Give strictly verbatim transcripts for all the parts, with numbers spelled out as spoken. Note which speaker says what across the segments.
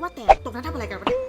Speaker 1: ว่าแต่ตรงนั้นทำอะไรกันวะเนี่ย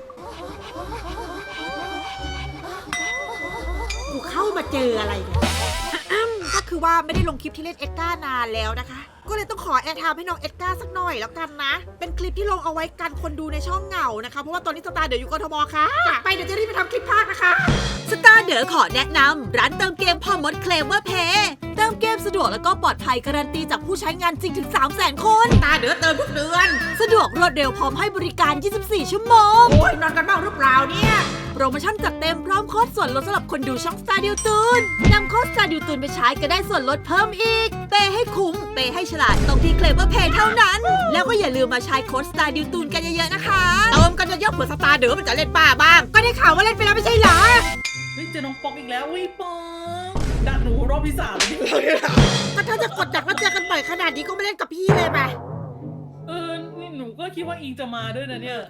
Speaker 1: กูเข้ามาเจออะไรเนี่ยก็คือว่าไม่ได้ลงคลิปที่เล่นเอ็ดการ์นานแล้วนะคะก็เลยต้องขอแอร์ไทม์ให้น้องเอ็ดการ์สักหน่อยแล้วกันนะเป็นคลิปที่ลงเอาไว้กันคนดูในช่องเหงานะคะเพราะว่าตอนนี้สตาร์เดี๋ยวอยู่กทมค่ะไปเดี๋ยวจะรีบไปทำคลิปภาคนะคะสตาร์เด๋อขอแนะนำร้านเติมเกมพ่อมดเคลมว่าเพย์เติมเกมสะดวกแล้วก็ปลอดภัยการันตีจากผู้ใช้งานจริงถึง สามแสน คนสตาร์เด๋อเติมทุกเดือนสะดวกรวดเร็วพร้อมให้บริการ ยี่สิบสี่ ชั่วโมงโอ้ยนอนกันบ้างหรือเปล่าเนี่ยโปรโมชั่นจัดเต็มพร้อมโค้ดส่วนลดสำหรับคนดูช่อง Star ดิวตูนนำโค้ด Star ดิวตูนไปใช้ก็ได้ส่วนลดเพิ่มอีกเปย์ให้คุ้มเปย์ให้ฉลาดตรงที่เคลมว่าเพย์เท่านั้นแล้วก็อย่าลืมมาใช้โค้ด Star ดิวตูนกันเยอะๆนะคะเติมกันเยอะๆเผื่อสตาร์เด๋อมันจะเล่นบ้าบ้างก็ได้ข่าวว่าเล่นไปแล้วไม่ใช่เหรอ
Speaker 2: เฮ้ยเจอน้องป๊อกอีกแล้ววิป๊อกดักหนูรอบที่สามเลย
Speaker 1: ก็ถ้าจะกดดักแล้วเจอกันบ่อยขนาดนี้ก็ไม่เล่นกับพี่เลยไป
Speaker 2: เออนี่หนูก็คิดว่าอิงจะมาด้วยนะเนี่ย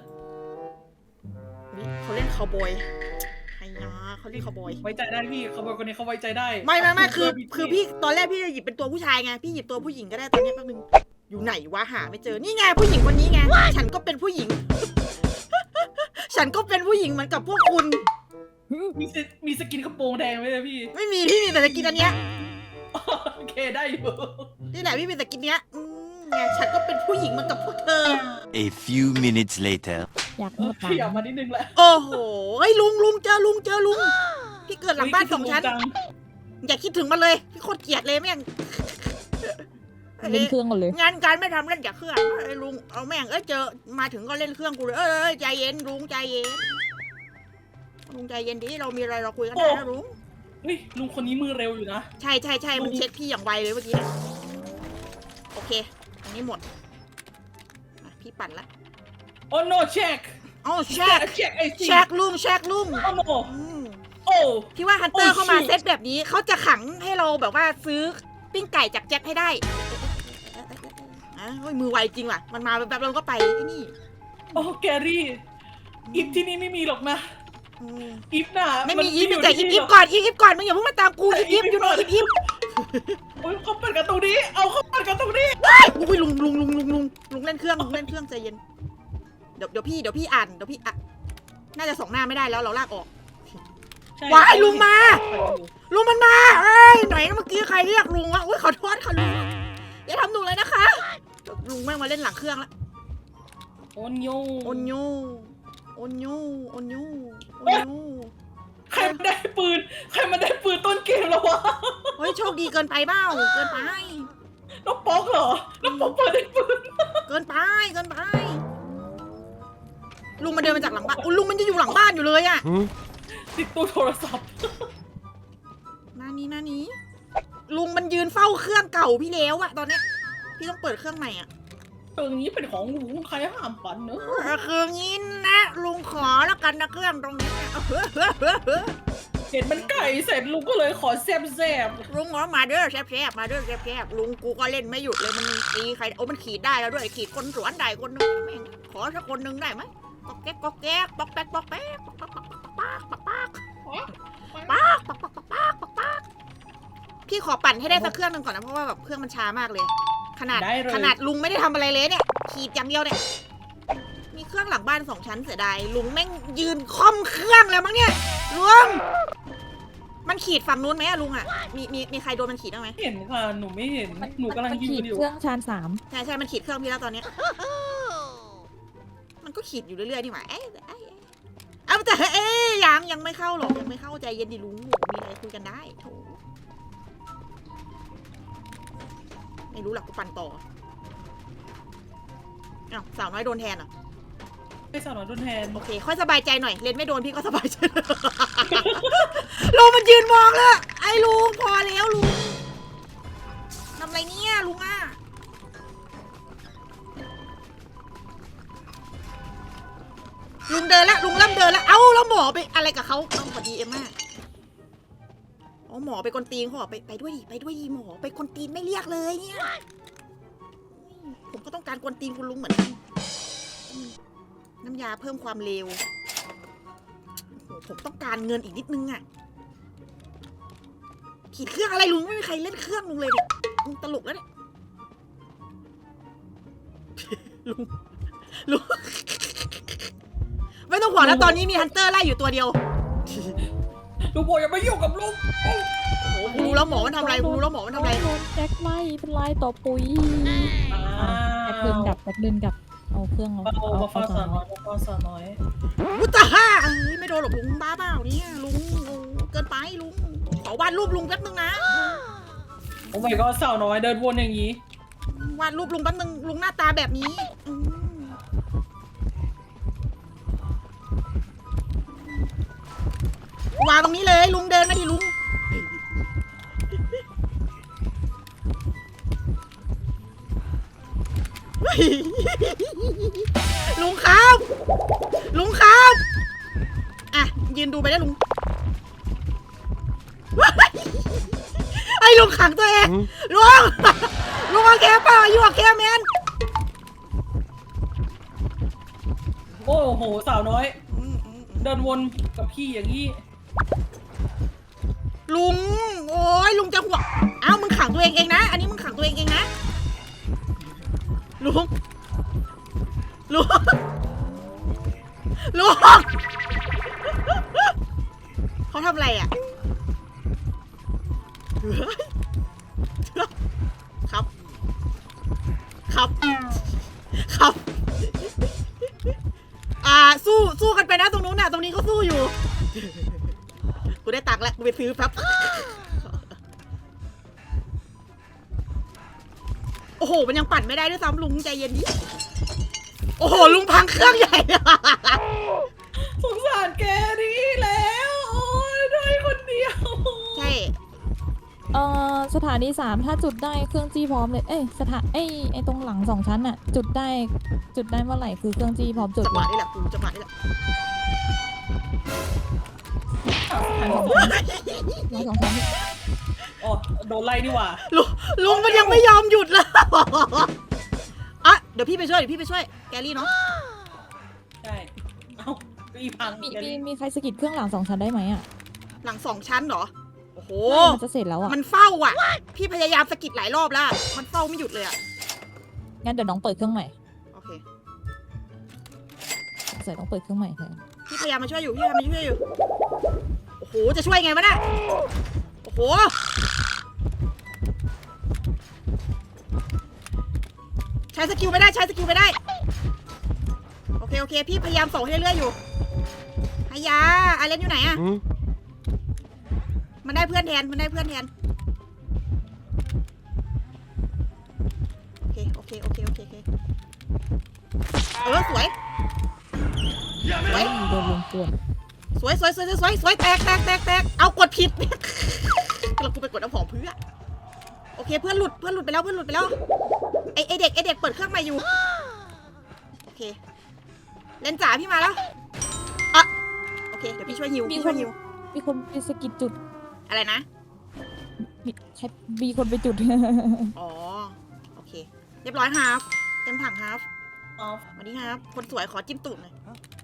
Speaker 1: เขาเล่นคาวบอยไอ้ยาเขาเล่นคาวบอย
Speaker 2: ไว้ใจได้พี่เขาบอกคนนี้เขาไว้ใจได้
Speaker 1: ไม่ไม่ไม่คือคือพี่ตอนแรกพี่จะหยิบเป็นตัวผู้ชายไงพี่หยิบตัวผู้หญิงก็ได้ตอนนี้แป๊บนึงอยู่ไหนวะหาไม่เจอนี่ไงผู้หญิงคนนี้ไงฉันก็เป็นผู้หญิง ฉันก็เป็นผู้หญิงเหมือนกับพวกคุณ
Speaker 2: มีมีสกินกระโปรงแดงไหมพี่
Speaker 1: ไม่มีพี่มีแต่สกินอันเนี้ย
Speaker 2: โอเคได้อยู่
Speaker 1: นี่แหละพี่มีสกินเนี้ยไงฉันก็เป็นผู้หญิงเหมือนกับพวกเธอ
Speaker 3: A few minutes later
Speaker 4: อยากหมด
Speaker 2: ขยับมานิดนึงแหละ
Speaker 1: โอ้โหไอ้ลุงลุงเจอลุงเจอลุงพี่เกิดหลังบ้านสองชั้นอย่าคิดถึงมันเลยพี่โคตรเกลียดเลยแม่ง
Speaker 4: เล่นเครื่องกันเลย
Speaker 1: งานการไม่ทำเล่นจากเครื่องไอ้ลุงเอาแม่งเอ้ยเจอมาถึงก็เล่นเครื่องกูเลยเอ้ยใจเย็นลุงใจเย็นลุงใจเย็นดิเรามีอะไรเราคุยกันได้นะลุง
Speaker 2: เฮ้ยลุงคนนี้มือเร็วอยู่นะ
Speaker 1: ใช่ใช่ใช่มันเช็คพี่อย่างไวเลยเมื่อกี้โอเคอันนี้หมดพี่ปั่นละ
Speaker 2: โอ้โนเช็ค
Speaker 1: โอ้เช็ค
Speaker 2: เช็คไอ้
Speaker 1: เช็คลุงเช็คลุง
Speaker 2: โอ้โนโอ้
Speaker 1: พี่ว่าฮันเตอร์เข้ามาเซตแบบนี้เขาจะขังให้เราแบบว่าซื้อปิ้งไก่จากแจ็คให้ได้อ่ะมือไวจริงว่ะมันมาแบบเราก็ไปไอ้นี่
Speaker 2: โอ้แกรี่อิฟที่นี่ไม่มีหรอกนะอิฟน่ะ
Speaker 1: ไม่มีอิฟแต่อิฟอิฟก่อนอิฟอิฟก่อนมึงอย่าเพิ่งมาตามกูอิฟอิฟอยู่หน่อยอิฟอิฟ
Speaker 2: โอ้ยเขาเปิดกันตรงนี้เอาเขาเปิดกันตรงนี้
Speaker 1: อุ้ยลุงลุงลุงลุงลุงลุงเล่นเครื่องลุงเล่นเครื่องใจเย็นเดี๋ยวเดี๋ยวพี่เดี๋ยวพี่อ่านเดี๋ยวพี่อ่ะน่าจะส่งหน้าไม่ได้แล้วเราลากออกว้ายลุงมาลุงมันมาเอ้ยไหนเมื่อกี้ใครเรียกลุงวะอุ้ยขอโทษค่ะลุงอย่าทำหนูเลยนะคะลุงแม่งมาเล่นหลังเครื่องแล้ว
Speaker 2: โอนโย
Speaker 1: โอนโยโอนโยโอนโยโอนโย
Speaker 2: ใครมาได้ปืนใครมาได้ปืนต้นเกมแล้ววะ
Speaker 1: เฮ้ยโชคดีเกินไปเบ้าเกินไป
Speaker 2: น้องป๊อกเหรอน้องป๊อกเปิดได้ปืน
Speaker 1: เกินไปเกินไปลุงมาเดินมาจากหลังบ้านลุงมันจะอยู่หลังบ้านอยู่เลยอะ
Speaker 2: ติดตัวโทรศัพท์
Speaker 1: หน้านี้หน้านี้ลุงมันยืนเฝ้าเครื่องเก่าพี่แล้วอะตอนเนี้ยพี่ต้องเปิดเครื่องใหม่อะ
Speaker 2: เครื่องนี้เป็นของลุงใครห้ามปั่นเนอะ
Speaker 1: คืองี้นะลุงขอแล้วกันนะเครื่องตรงนี้
Speaker 2: เห็นมันไก่เสร็จลุงก็เลยขอแซบแซบ
Speaker 1: ลุงขอมาเด้อแซบแซบมาเด้อแซบแซบลุงกูก็เล่นไม่หยุดเลยมันตีใครโอ้มันขีดได้แล้วด้วยขีดคนสวนได้คนนึงแม่งขอสักคนนึงได้ไหมก๊อกแก๊กก๊อกแก๊กป๊อกแป๊กป๊อกแป๊กป๊อกป๊อกป๊อกป๊อกป๊อกป๊อกป๊อกป๊อกป๊อกป๊อกป๊อกป๊อกป๊อกพี่ขอปั่นให้ได้สักเครื่องนึงก่อนนะเพราะว่าแบบเครื่องมันช้ามากเลยขนาดขนาดลุงไม่ได้ทำอะไรเลยเนี่ยขีดอย่างเดียวเนี่ยมีเครื่องหลังบ้านสองชั้นเสียดายลุงแม่งยืนค่อมเครื่องแล้วมั้งเนี่ยลุงมันขีดฝั่งนู้นไหมอะลุงอะมีมีมีใครโดนมันขีดบ้างไหม
Speaker 2: เห็นค่ะหนูไม่เห็นหนูกำลังยืนอยู่
Speaker 4: เครื่องชานสาม
Speaker 1: ใช่ใช่มันขีดเครื่องพี่แล้วตอนนี้มันก็ขีดอยู่เรื่อยๆนี่หว่าเอ๊ะเอาแต่เอ๊ยยังยังไม่เข้าหรอกยังไม่เข้าใจเย็นดิลุงมีอะไรคุยกันได้โถไม่รู้หลักกูปั่นต่ออ้าวสาวน้อยโดนแทนอ่ะ
Speaker 2: ไม่สาวน้อยโดนแทน
Speaker 1: โอเคค่อยสบายใจหน่อยเล่นไม่โดนพี่ก็สบายใจลุงมันยืนมองเลยไอ้ลุงพอแล้วลุงทำไรเนี่ยลุงอ่ะลุงเดินละลุงเริ่มเดินละเอ้าแล้วหมอไปอะไรกับเขาเอาพอดีเอ็มม่าอ๋อหมอไปกวนตีนเขาบอกไปไปด้วยดิไปด้วยดิหมอไปกวนตีนไม่เรียกเลยเนี่ยผมก็ต้องการกวนตีนคุณลุงเหมือนกันน้ำยาเพิ่มความเร็วผมต้องการเงินอีกนิดนึงอ่ะขีดเครื่องอะไรลุงไม่มีใครเล่นเครื่องลุงเลยเนี่ยลุงตลกแล้วเนี่ยลุงลุงต้องห่วงนะตอนนี้มีฮันเตอร์ไล่อยู่ตัวเดียว
Speaker 2: ลุงบอกอย่ามายุ่งกับลุง
Speaker 1: กูรู้แล้วหมอมันทำอะไรกูรู้แล้วหมอมันทำอะไร
Speaker 4: โดนแจ็คไล่เป็นลายต่อปุ๋ย
Speaker 2: อ้า
Speaker 4: แจ็คเดินกลับแจ็คเดินกลับเอาเครื่องเอา
Speaker 2: ว
Speaker 4: เอา
Speaker 2: มา
Speaker 4: เอา
Speaker 2: ฟ้า
Speaker 4: เอา
Speaker 2: สาวน้อยมาฟ้าสาวน้อย
Speaker 1: วุ้ตาฮ่าเอ้ยไม่โดนหรอกลุงบ้าเปล่าเนี่ยลุงโอ้เกินไปลุงขอวาดรูปลุงแป๊บนึงนะ
Speaker 2: โอ้ my god สาวน้อยเดินวนอย่างนี้
Speaker 1: วาดรูปลุงแป๊บนึงลุงหน้าตาแบบนี้อืมวางตรงนี้เลยลุงเดินมาดิลุงเฮ้ยลุงครับลุงครับอ่ะยืนดูไปได้ลุงไอ้ลุงขังตัวเองลุงลุงโอเคเปล่าอยู่โอเคแมน
Speaker 2: โอ้โหสาวน้อย เดินวนกับพี่อย่างนี้
Speaker 1: ลุงโอ้ยลุงจะห่วงเอ้ามึงขังตัวเองเองนะอันนี้มึงขังตัวเองเองนะลุงลุงลุงเขาทำอะไรอ่ะครับ ครับ ครับ อ่า สู้ สู้กันไปนะตรงนู้นน่ะ ตรงนี้ก็สู้อยู่ กูได้ตังค์แล้ว กูไปซื้อแป๊บ โอ้โห มันยังปั่นไม่ได้ด้วยซ้ำลุงใจเย็นดิ โอ้โห ลุงพังเครื่องใหญ่
Speaker 2: สงสารแกนี่แล้ว โอ้ยได้คนเดียว
Speaker 1: ใช่
Speaker 4: เอ่อสถานีสามถ้าจุดได้เครื่องจี้พร้อมเลยเอ้ยสถานเอ้ยไอ้ตรงหลังสองชั้นอะจุดได้จุดได้เมื่อไหร่คือเครื่องจี้พร้อมจุด
Speaker 1: จังห
Speaker 4: เล
Speaker 1: วะ
Speaker 4: ย
Speaker 1: นี่แหละกูจังหวะนี่แหละ
Speaker 4: ร้อยสองชั้น
Speaker 2: อ๋อโดนไล่ดีกว่า
Speaker 1: ลุงลุงมันยังไม่ยอมหยุดเลย อ่ะ เดี๋ยวพี่ไปช่วย เดี๋ยวพี่ไปช่วย แกรี่เนาะ
Speaker 2: ใช่ เอ้าอีพัง
Speaker 4: มี
Speaker 2: แก
Speaker 4: มี
Speaker 2: นี่
Speaker 4: มีใครสะกิดเครื่องหลังสองชั้นได้ไหมอะ
Speaker 1: หลังสองชั้นเหรอ โอ้โห
Speaker 4: มันจะเสร็จแล้วอะ
Speaker 1: มันเฝ้าอ่ะ พี่พยายามสะกิดหลายรอบแล้ว มันเฝ้าไม่หยุดเลยอ่ะ
Speaker 4: งั้นเดี๋ยวน้องเปิดเครื่องใหม่
Speaker 1: โอเค
Speaker 4: เสร็จต้องเปิดเครื่องใหม่แทน
Speaker 1: พี่พยายามมาช่วยอยู่ พี่พยายามมาช่วยอยู่ โอ้โห จะช่วยไงวะน่ะโอ้โห ใช้สกิลไม่ได้ ใช้สกิลไม่ได้ โอเค โอเค พี่พยายามส่งให้เรื่อยๆอยู่ฮายาอาเลนอยู่ไหนอะมันได้เพื่อนแทน มันได้เพื่อนแทน โอเค โอเค โอเค โอเค โอเค เออ สวย สวย
Speaker 4: โดนลงป่วน
Speaker 1: สวยสวยสวยสวยสวยแตกแตกแตกแตกเอากดผิด เรากูไปกดน้ำหอมเพื่อโอเคเพื่อนหลุดเพื่อนหลุดไปแล้วเพื่อนหลุดไปแล้วไอไอเด็กไอเด็กเปิดเครื่องใหม่อยู่โอเคเลนจ๋าพี่มาแล้วอ่ะโอเคเดี๋ยวพี่ช่วยฮิวพี่ช่วยฮิว
Speaker 4: มีคนไปสะกิดจุด
Speaker 1: อะไรนะ
Speaker 4: มีใช่มีคนไปจุด
Speaker 1: อ๋อโอเคเรียบร้อยครับเต็มถังครับ
Speaker 2: ออฟ
Speaker 1: สวัสดีครับคนสวยขอจิ้มตูดหน่อย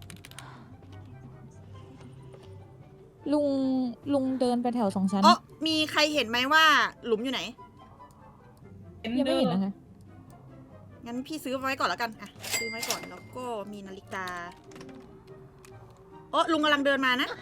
Speaker 4: ลุงลุงเดินไปแถวสองชั้น
Speaker 1: อ๋อมีใครเห็นไหมว่าหลุมอยู่ไหน
Speaker 2: เอ็น
Speaker 4: ยัง
Speaker 2: เด
Speaker 4: ไม่
Speaker 2: อ
Speaker 4: เห็น
Speaker 2: ร์
Speaker 4: นะคะ
Speaker 1: งั้นพี่ซื้อไว้ก่อนแล้วกันอ่ะซื้อไว้ก่อนแล้วก็มีนาฬิกาโอ้ลุงกำลังเดินมานะ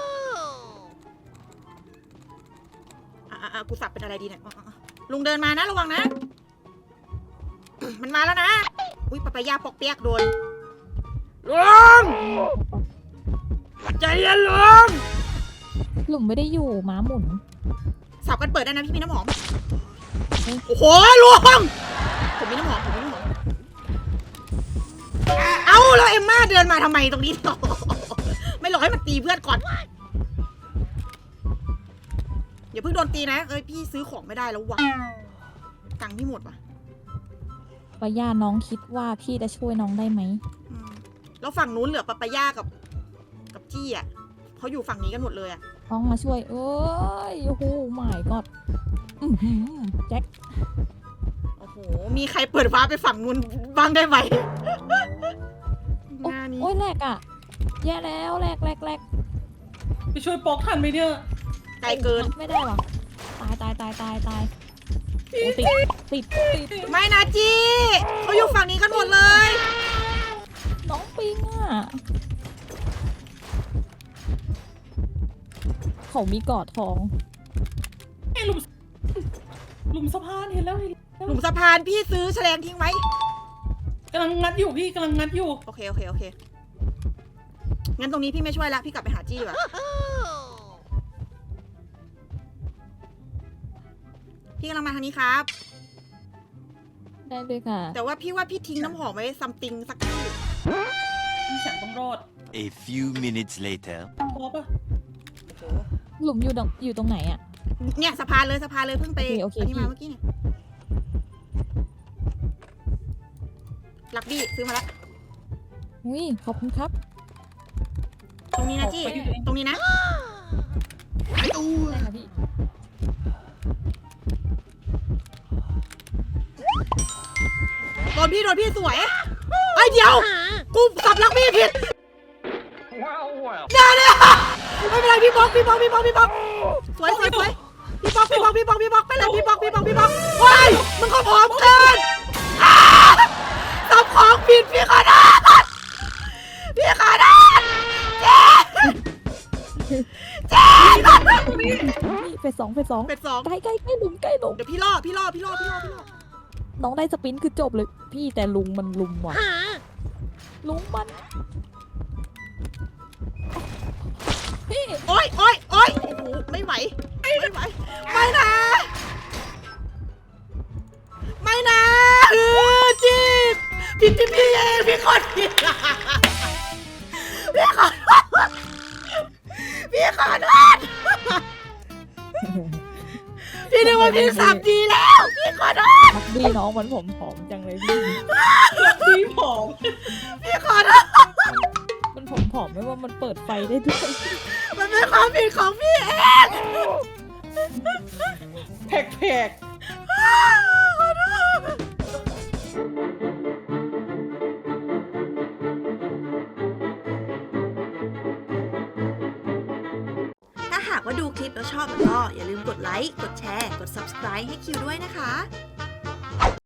Speaker 1: อ่ะอ่ะอ่ะกูสับเป็นอะไรดีเนี่ยอ่ะอ่ะอ่ะลุงเดินมานะระวังนะ มันมาแล้วนะอุ้ยปะปะยาปอกเปียกโดนลุงใจเย็นลุง
Speaker 4: หลุมไม่ได้อยู่ม้าหมุน
Speaker 1: สับกันเปิดได้นะพี่มีน้ำหอมโอ้โหลุงผมมีน้ำหอมผมมีน้ำหอมเอ้าแล้วเอ็มม่าเดินมาทำไมตรงนี้ ไม่หลอกให้มันตีเพื่อนก่อนอย่าเพิ่งโดนตีนะเอ้ยพี่ซื้อของไม่ได้แล้ววะตังค์พี่หมดวะ
Speaker 4: ปาย่าน้องคิดว่าพี่จะช่วยน้องได้ไหม
Speaker 1: อืมแล้วฝั่งนู้นเหลือปะปะย่ากับ กับจี้อ่ะเขาอยู่ฝั่งนี้กันหมดเลยอ่ะ
Speaker 4: น้องมาช่วย เอ้ยโอ้โหไม่กอดแจ็ค
Speaker 1: โอ้โหมีใครเปิดฟ้าร์ปไปฝั่งนู้นบ้างได้ไหมหน้านี้
Speaker 4: โอ้ยแหลกอ่ะ แย่แล้วแหลกแหลกแหลก
Speaker 2: ไปช่วยปอกทันไหมเนี่ย
Speaker 1: ไกลเกิน
Speaker 4: ไม่ได้หรอตายตายตายตายตายโอ้ติดติดติด
Speaker 1: ไม่นะจี้เขาอยู่ฝั่งนี้กันหมดเลย
Speaker 4: น้องปิงอ่ะเขามีกอดทอง
Speaker 2: ไอ้หลุมหลุมสะพานเห็นแล้วเห็นแล้ว
Speaker 1: หลุมสะพานพี่ซื้อแฉลงทิ้งไว้
Speaker 2: กำลังงัดอยู่พี่กำลังงัดอยู่
Speaker 1: โอเคโอเคโอเคงั้นตรงนี้พี่ไม่ช่วยละพี่กลับไปหาจี้ดีกว่าพี่กำลังมาทางนี้ครับ
Speaker 4: ได้เลยค่ะ
Speaker 1: แต่ว่าพี่ว่าพี่ทิ้งน้ำหอมไว้ซัมติงสักที่
Speaker 2: พี่ฉันต้องรอด
Speaker 3: A few minutes later.
Speaker 2: พอปะ
Speaker 4: หลุมอยู่ตรงอยู่ตรงไหนอะ
Speaker 1: เนี่ยสะพานเลยสะพานเลยเพิ่งไป
Speaker 4: โอเคโอเค
Speaker 1: อันนี้มา
Speaker 4: พี่
Speaker 1: เมื่อกี้เนี่ยลักบี้ซื้อมาแล้ว
Speaker 4: อุ้ยขอบคุณครับ
Speaker 1: ตรงนี้นะจี้
Speaker 2: ไปอยู่เอง
Speaker 1: ตรงนี้นะ
Speaker 4: ได้ค่ะพี่
Speaker 1: โดนพี่โดนพี่สวยไอ้ยเดี๋ยวกูสับลักบี้ผิดอย่าเนี่ยไม่เป็นไรพี่บล็อกพี่บล็อกพี่บล็อกพี่บล็อกสวยสวยสวยพี่บล็อกพี่บล็อกพี่บล็อกพี่บล็อกไปเลยพี่บล็อกพี่บล็อกพี่บล็อกว้ายมึงก็พร้อมเกินอ้าสับของผิดพี่ขอโทษพี่ขอโทษเจ๊เจ๊
Speaker 4: นี่เฟสสองเฟสสอง
Speaker 1: เป็ดสอง
Speaker 4: ใกล้ใกล้ใกล้หลุมใกล้หลุม
Speaker 1: เดี๋ยวพี่ล่อพี่ล่อพี่ล่อพี่ล่อพี่ล่อ
Speaker 4: น้องได้สปรินต์คือจบเลย พี่แต่ลุงมันลุมว่ะลุงมันพี่
Speaker 1: โอ๊ยโอ๊ยโอ๊ยโอ้โหไม่ไหวไม่ไหวไม่นะไม่นะเออจีบผิดที่พี่เองพี่ขอผิดพี่ขอโทษพี่ขอโทษพี่นึกว่าพี่สับดีแล้วพี่ขอโทษ
Speaker 4: รักดีน้องมันผมผอมจังเลยพี่
Speaker 2: พี่ผอม
Speaker 1: พี่ขอโทษ
Speaker 4: มันผมผอมไม่ว่ามันเปิดไฟได้ด้วย
Speaker 1: มันเป็นความผิดของพี่เอง
Speaker 2: แผลกแผลก
Speaker 1: ขอโทษถ้าหากว่าดูคลิปแล้วชอบก็อย่าลืมกดไลค์ กดแชร์ กด ซับสไครบ์ ให้คิวด้วยนะคะ